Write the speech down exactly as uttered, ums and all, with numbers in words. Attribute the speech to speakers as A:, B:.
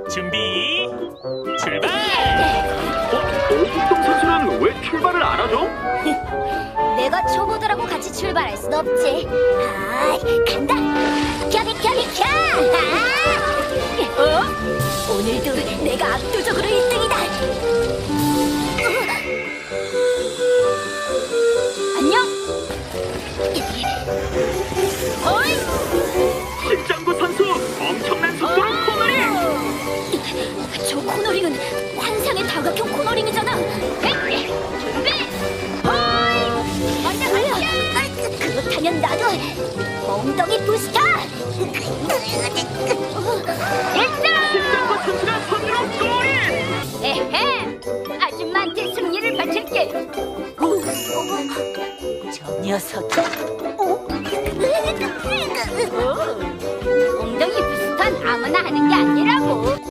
A: 준비, 출발!
B: 어? 오국동 선수는 왜 출발을 안 하죠?
C: 내가 초보들하고 같이 출발할 순 없지. 아, 간다. 비켜 비켜 비켜. 아! 어? 오늘도 내가 압도적으로 일 등이다. 안녕. 어이.
B: 심장구 선수 엄청난 속도로 코너링!
C: 저 코너링은 환상의 다각형 코너링이잖아. 준비. 호이. 먼저 가자. 그렇다면 나도 엉덩이 부스터. 일등.
B: 심장구 선수가 선두로 골인!
C: 에헤. 아줌마한테 승리를 바칠게. 저 녀석